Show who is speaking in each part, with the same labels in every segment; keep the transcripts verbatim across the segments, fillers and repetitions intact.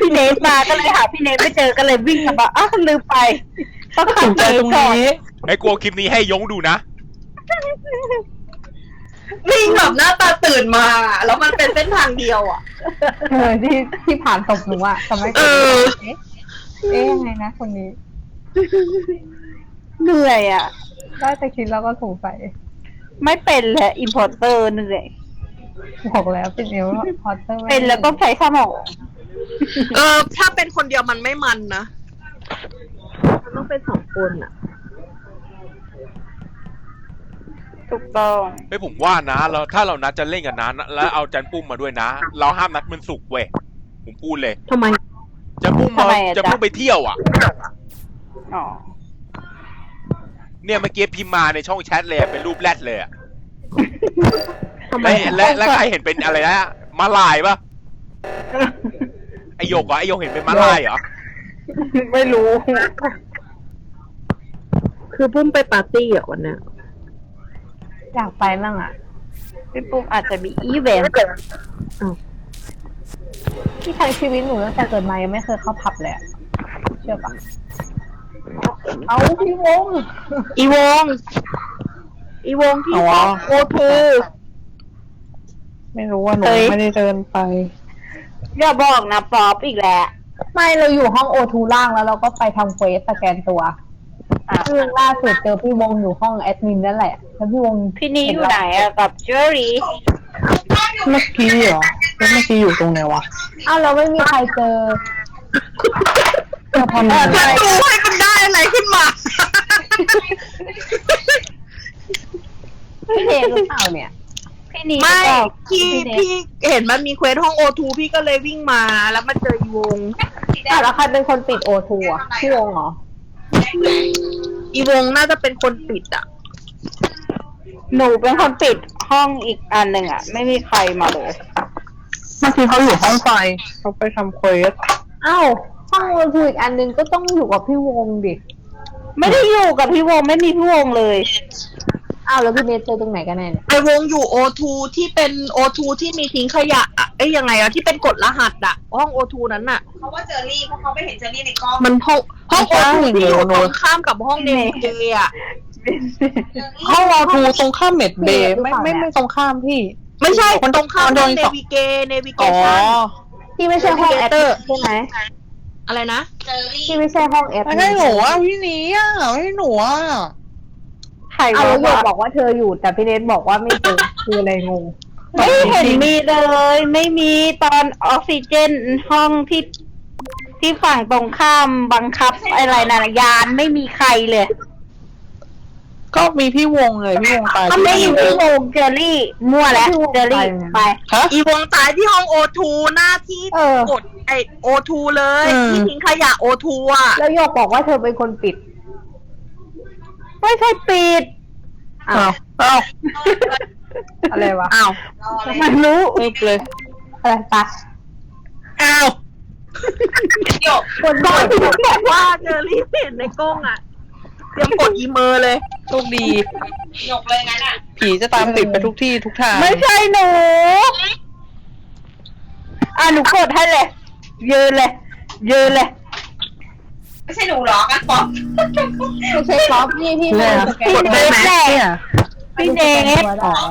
Speaker 1: พี่เนทมาก็เลยหาพี่เนทไม่เจอก็เลยวิ่งมาอ้าวลืมไปต้องขับใจตรงนี้
Speaker 2: ไอ้กลัวคลิปนี้ให้ยงดูนะ
Speaker 3: วิ่งแบบหน้าตาตื่นมาแล้วมันเป็นเส้นทางเดียวอ่ะ
Speaker 4: เออที่ที่ผ่านศพหนูอะทำไมเออเอ๊ะยังไงนะคนนี้
Speaker 1: เหนื่อยอ่ะ
Speaker 4: ได้แต่คิดแล้วก็สงสัย
Speaker 1: ไม่เป็นแหละอินพอร์เตอร์เหนื่อย
Speaker 4: บอกแล้วเป็นเอลพอร์เตอร์
Speaker 1: เป็นแล้วก็ใช้สมอง
Speaker 3: เออถ้าเป็นคนเดียวมันไม่มันนะมันต้องเป็นสองคนอ่ะ
Speaker 1: ถูกต้อง
Speaker 2: ไม่ผมว่านะเราถ้าเรานัดจะเล่นกันนะแล้วเอาจันปุ้มมาด้วยนะเราห้ามนัดมันสุกเว้ยผมพูดเลย
Speaker 3: ทำไม
Speaker 2: จันปุ้มมาจะปุ้มไปเที่ยวอ่ะ
Speaker 1: อ๋อ
Speaker 2: เนี่ยเมื่อกี้พิมพ์มาในช่องแชทเลยเป็นรูปแรดเลยอ่ะและและใครเห็นเป็นอะไรนะมาลายปะไอโยกเหรอไอโยกเห็นเป็นมาลายเหรอ
Speaker 1: ไม่รู้
Speaker 3: คือปุ้มไปปาร์ตี้อ่ะวันนี้
Speaker 4: อยากไปมั่งอ่ะ
Speaker 1: พี่ปุ้มอาจจะมีอีเวนต์
Speaker 4: ที่ทางชีวิตหนูตั้งแต่เกิดมายังไม่เคยเข้าผับเลยเชื่อปะเอาพี่วง
Speaker 3: อีวงอีวงที่โอทู
Speaker 4: ไม่รู้ว่าหนูไม่ได้เดินไป
Speaker 1: อย่าบอกนะป๊อปอีกแล้ว
Speaker 4: ไม่เราอยู่ห้องโอทูล่างแล้วเราก็ไปทำเควสสแกนตัวซึ่งล่าสุดเจอพี่วงอยู่ห้องแอดมินนั่นแหละแล้วพี่วง
Speaker 1: พี่นี้อยู่ไหนอะกับเจอรี่
Speaker 4: เมื่อกี้เหรอเมื่อกี้อยู่ตรงไหนวะอ้าวเราไม่มีใครเจอ
Speaker 3: จะทำอะไรดูให้มันได้อะไรขึ้นมา
Speaker 4: พี่เดชหรือเปล่าเนี่ย
Speaker 1: พี่นี้
Speaker 3: ไม่พี่พี่เห็นมันมีเควสห้องโอทูพี่ก็เลยวิ่งมาแล้วมาเจออีวง
Speaker 4: แต่แล้วใครเป็นคนปิดโอทูอ่ะพี่วงเหรอ
Speaker 3: อีวงน่าจะเป็นคนปิดอ่ะ
Speaker 1: หนูเป็นคนปิดห้องอีกอันหนึ่งอ่ะไม่มีใครมาเลย
Speaker 4: เมื่อกี้เขาอยู่ห้องไฟเขาไปทำเควสอ้าวห้องโอทูอีกอันหนึ่งก็ต้องอยู่กับพี่วงดิ
Speaker 1: ไม่ได้อยู่กับพี่วงไม่มีพี่วงเลย
Speaker 4: อ้าวแล้วพี่เนทเจอตรงไหนกันแน่เนี่ย
Speaker 3: ไอวงอยู่โอทูที่เป็นโอทูที่มีทิ้งขยะเอ้ยยังไงอะที่เป็นกฎรหัสอะห้องโอทูนั้นอะ
Speaker 5: เขาว่าเจอรี่เพราะเขาไม่เห็นเจอรี่ในกล้อง
Speaker 3: มันห้องห้องโอทูที่อยู่ตรงข้ามกับห้องเนเจอะ
Speaker 4: ห้องโอทูตรงข้ามเมดเบย์ไม่ไม่ไม่ตรงข้ามพี่
Speaker 3: ไม่ใช่ตรงข้ามห้องเนวิเกเนวิเกชั่น
Speaker 4: ที่ไม่ใช่ห้องแอดใช่ไหม
Speaker 3: อะไรนะ
Speaker 4: ที่ไม่ใช่ห้องแอด
Speaker 5: ไม่ให้หนูอ่ะพี่นี้อ่ะไม่ให้หนูอ่ะ
Speaker 4: ใครเอาโยกบอกว่าเธออยู่แต่พี่เนทบอกว่าไม่เจอคืออะไรงง
Speaker 1: ไม่เห็นมีเลยไม่มีตอนออกซิเจนห้องที่ที่ฝั่งตรงข้ามบังคับอะไรนะยานไม่มีใครเลย
Speaker 5: ก็มีพี่วงเลยพี่วงตาย
Speaker 1: ไม่มีพี่วงเจอรี่มั่วแล้วเจอรี่ไป
Speaker 3: อีวงตายที่ห้องโอทูหน้าที่กดไอโอทูเลยที่ทิ้งขยะโอทูอ่ะ
Speaker 4: แล้วโยกบอกว่าเธอเป็นคนปิด
Speaker 1: ไม่ใช่ปิด
Speaker 4: อ้าวอ้าวอะไรวะ
Speaker 3: อ้าว
Speaker 1: มันรู้
Speaker 4: เลยอะไรปะ
Speaker 3: อ้าวโยกคนบ้านที่บอกว่าเจอรี่เห็นในกล้องอ่ะเตรียมกดอีเมอร์เลย
Speaker 5: โชคดีหยกเลยงั้นอ่ะผีจะตามติดไปทุกที่ทุกทาง
Speaker 1: ไม่ใช่หนูอ่ะหนูกดให้เลยยืนเลยยืนเลย
Speaker 5: ไม่ใช่หนูหรอกันป๊อป
Speaker 4: ไม่ใช่ป๊อปนี่ที่
Speaker 1: เลย
Speaker 3: กดได้ไหม
Speaker 1: พี่เนท
Speaker 5: อ๋อ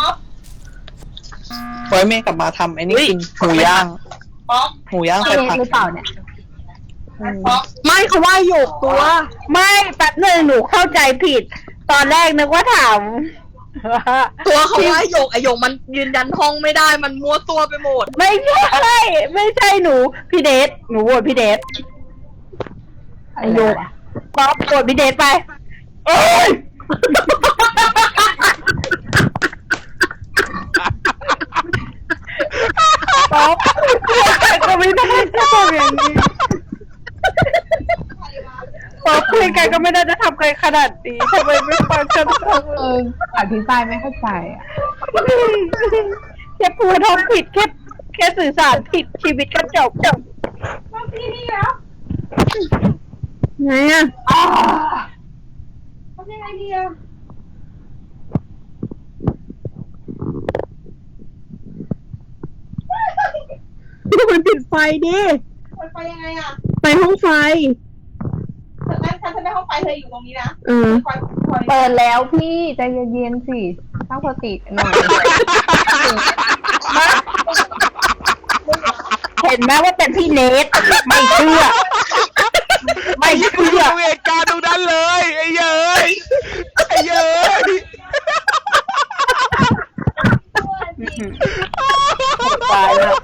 Speaker 5: ไว้เมย์กลับมาทำไอ้นี่กินหมูย่างหมูย่างใส่ผัก
Speaker 4: หรือเปล่าเนี่ย
Speaker 3: ไม่เขาว่าโยกตัว
Speaker 1: ไม่แป๊บนึงหนูเข้าใจผิดตอนแรกนึกว่าถาม
Speaker 3: ตัวเขาว่าโยกไอโยกมันยืนยันห้องไม่ได้มันมั่วตัวไปหมด
Speaker 1: ไม่ใช่ไม่ใช่หนูพี่เดชหนูโหวตพี่เดช
Speaker 4: ไอโยก
Speaker 1: ป๊อปโหวตพี่เดชไปเอ้ยป๊อปก็ไม่ได้จะทำอย่างนี้ป๊อปคุยกันก็ไม่ได้จะทำกันขนาดนี้ทำไมไม่ฟังฉัน
Speaker 4: เอออธิบายไม่เข้าใจอ่ะ
Speaker 1: แค่พูดทำผิดแค่แค่สื่อสารผิดชีวิตก็จบจบ
Speaker 5: พี่นี่แล้ว
Speaker 1: ไงอ่ะ
Speaker 5: ทำยังไงดีอ่ะ
Speaker 1: มันปิดไฟดิ
Speaker 6: ไปยังไงอ่ะ
Speaker 3: ไปห้องไฟ
Speaker 6: เธอนั่นฉันฉันได้ห้องไฟเธออยู่ตรงนี้นะ
Speaker 3: เออ
Speaker 6: คอยคอย
Speaker 4: เปิดแล้วพี่ใจเย็นๆสิตั้งสติหน่อย
Speaker 1: เห็นไหมว่าเป็นพี่เนทไม่เชื่อ ไม่
Speaker 2: ไอ้ยี่กูอ
Speaker 1: เชื่
Speaker 2: ยู่
Speaker 1: อ
Speaker 2: เหตุการณ์ตรงนั้นเลยไอ้เย้ยไอ้เย้ย
Speaker 1: ตายแล้ว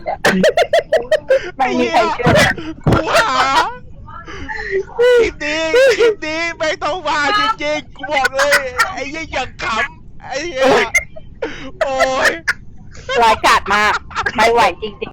Speaker 1: ไม่
Speaker 2: ไอ้
Speaker 1: มี
Speaker 2: เหี้
Speaker 1: ใคร
Speaker 2: ย
Speaker 1: เชื่อ
Speaker 2: กูหาคลิปนี้คลิปนี้ไม่ต้องมาจริงๆกูบอกเลยไอ้เหี้ยอย่างขำไอ้เหี้ยโอ้ย
Speaker 1: ร้ายกาจมาก ไม่ไหวจริงๆ